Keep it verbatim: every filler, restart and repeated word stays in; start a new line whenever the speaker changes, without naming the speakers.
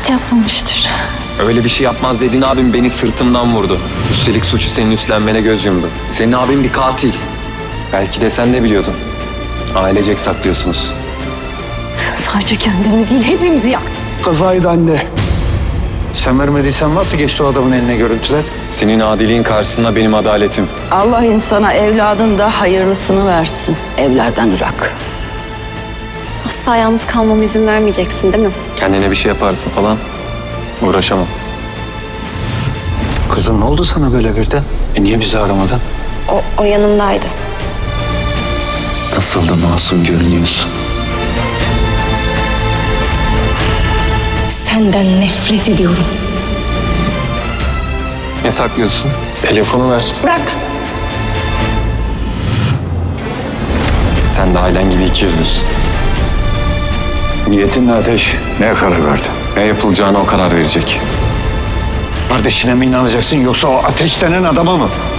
Yapmamıştır.
Öyle bir şey yapmaz dediğin abim beni sırtımdan vurdu. Üstelik suçu senin üstlenmene göz yumdu. Senin abin bir katil. Belki de sen de biliyordun. Ailecek saklıyorsunuz.
Sen sadece kendini değil hepimizi yaktın.
Kazaydı anne. Sen vermediysen nasıl geçti o adamın eline görüntüler?
Senin adiliğin karşısında benim adaletim.
Allah insana evladın da hayırlısını versin. Evlerden ırak.
Asla yalnız kalmama izin vermeyeceksin değil mi?
Kendine bir şey yaparsın falan. Uğraşamam.
Kızım ne oldu sana böyle birden? E niye bizi aramadın?
O, o yanımdaydı.
Nasıl da masum görünüyorsun.
Senden nefret ediyorum.
Ne saklıyorsun? Telefonu ver.
Bırak.
Sen de ailen gibi iki yüzlüsün.
Niyetin ne Ateş? Neye karar verdin?
Ne yapılacağına o karar verecek.
Kardeşine mi inanacaksın yoksa o Ateş denen adama mı?